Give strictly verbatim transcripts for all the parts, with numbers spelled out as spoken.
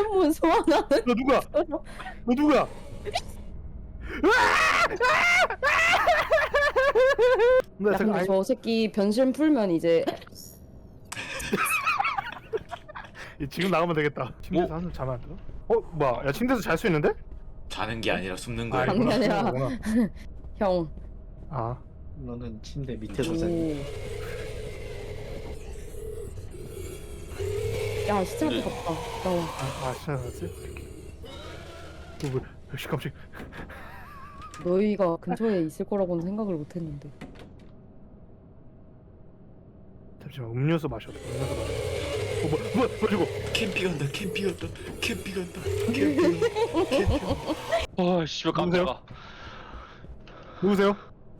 포켓몬 소환하는. 너 누구야? 너 누구야? 나 야, 잠깐 근데 아니, 저 새끼 변신 풀면 이제 지금 나가면 되겠다. 침대에서 한숨 자면 안 되나? 어 뭐야? 야 침대에서 잘 수 있는데? 자는 게 아니라 숨는 아, 거야. 아니, 이거구나. 아니라. 이거구나. 형. 아 너는 침대 밑에서 오. 자니. 야 시체 앞에 갔다. 나와. 아 진짜 나왔지? 뭐 역시 깜짝. 너희가 근처에 있을 거라고는 생각을 못했는데. 잠시만 음료수 마셔. 음료수 마셔. 어 뭐, 뭐, 뭐 저거? 캠핑 간다. 캠핑 간다. 캠핑 간다. 캠핑. 캠핑. 아 씨발 깜짝아. 누구세요?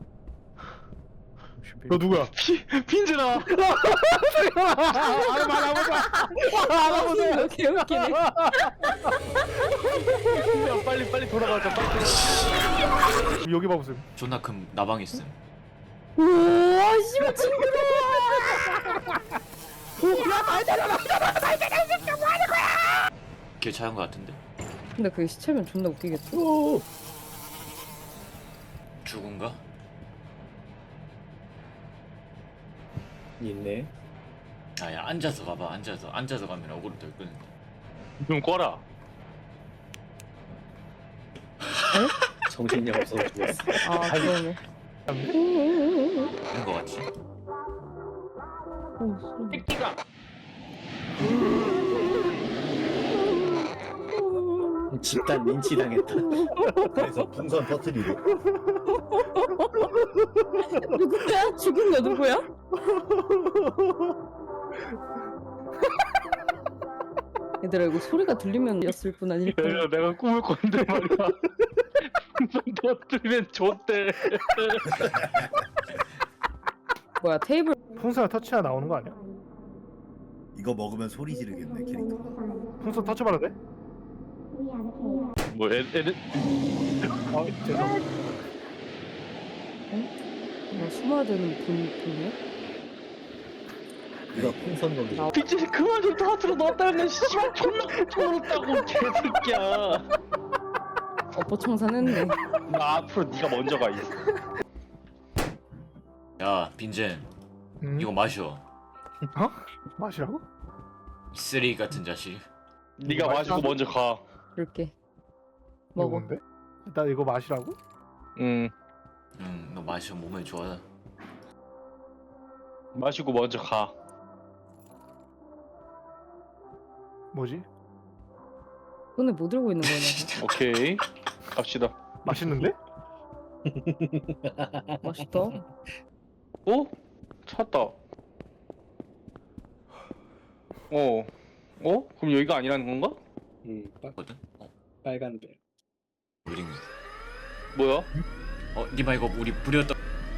너 누구야? 피 핀즈나. 아 말아보자. 아, 개웃기네. 야, 빨리 빨리 돌아가자. 빨리 돌아가자. 여기 봐보세요. 존나 큰 나방 있음. 우와 씨발 징그러. 길 찾은 거 같은데. 근데 그게 시체면 존나 웃기겠다. 죽은가? 있네. 아야 앉아서 가봐. 앉아서 앉아서 가면 어그로 덜 끄는데. 좀 꺼라. 정신이 없어서 죽었어. 아 그러네. 이런 거 같지? 띠띠가. 집단 린치 당했다. 그래서 풍선 터트리고. 누구야? 죽은 거 누구야? 얘들아 이거 소리가 들리면 였을 뿐 아닐까? 야, 내가 꿈을 꿨는데 말이야. 너 들면 좋대. 뭐야 테이블. 풍선 터치가 나오는 거 아니야? 이거 먹으면 소리 지르겠네 캐릭터가. 풍선 터치 받아도 돼? 뭐 애, 애들 아 죄송. 뭐 숨어야 되는 분 분이야? 이거 풍선 놀이. 핀즈 그만 좀 터트려 놨다면 씨발 존나 터트렸다고 개새끼야. 엎어청산했네. 나 앞으로 네가 먼저 가 있어. 야 빈젠 음? 이거 마셔. 마시라고? 쓰레기 같은 자식. 네가 마시고 먼저 가. 그럴게. 이거 먹어. 뭔데? 나 이거 마시라고? 응. 응, 너 마셔. 몸에 좋아. 마시고 먼저 가. 뭐지? 손에 뭐 들고 있는 거냐? 오케이. 갑시다. 맛있는데? 맛있다. 어? 찾다. 어. 어? 그럼 여기가 아니라는 건가? 음, 빨, 거든. 어, 빨간 배. 우린. 뭐야? 어, 니마 이거 우리 부렸다.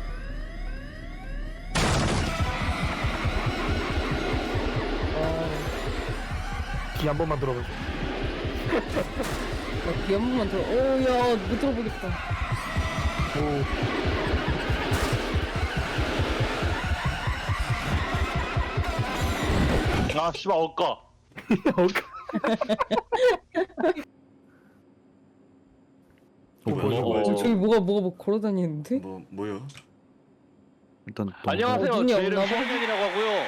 귀 한 번만 들어보자. 귀 한 번만 들어. 오야 못 들어보겠다. 오. 아 씨발 엇가. 어, 뭐야? 어. 저, 저기 뭐가 뭐가 뭐 걸어다니는데? 뭐 뭐요? 일단 안녕하세요. 어, 눈이 제 이름 없나 봐. 현현이라고 하고요.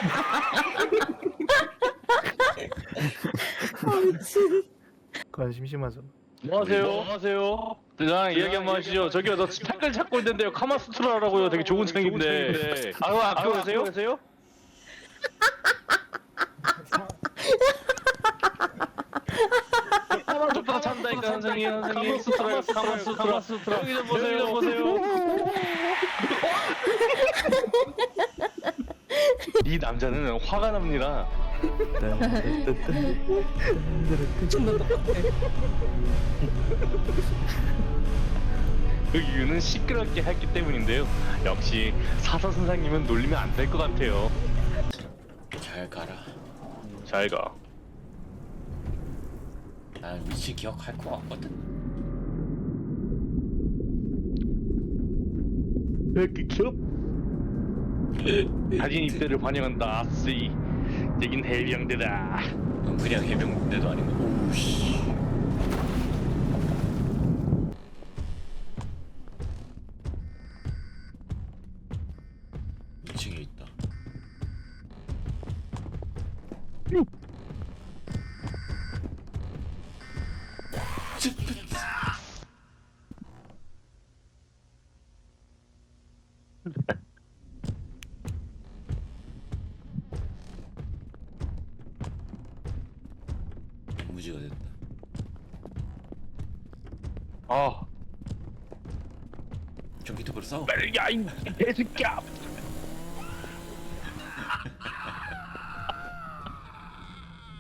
아 미친. 그건 심심하죠. 안녕하세요. 안녕하세요. 저랑 이야기 한번 하시죠. 저기요, 너 책을 찾고 있는데요. 카마수트라라고요. 되게 좋은 책인데. 아, 그거 학교 가세요? 가세요? 카마수트라 찬다니까 선생님. 선생님. 카마수트라, 카마수트라. 카마수트라. 여기 좀 보세요. 여기 좀 보세요. 이 남자는 화가 납니다. 존나 똑같아. 그 이유는 시끄럽게 했기 때문인데요. 역시 사서 선생님은 놀리면 안 될 것 같아요. 잘 가라. 잘 가. 난 위치 기억할 거 같거든. 이렇게 겹. 자진 입대를 환영한다. 아쓰이. 여긴 해병대다. 넌 그냥 해병대도 아니고. 오우씨. 무지가 됐다. 아 전기톱으로 싸워. 야이 개새끼야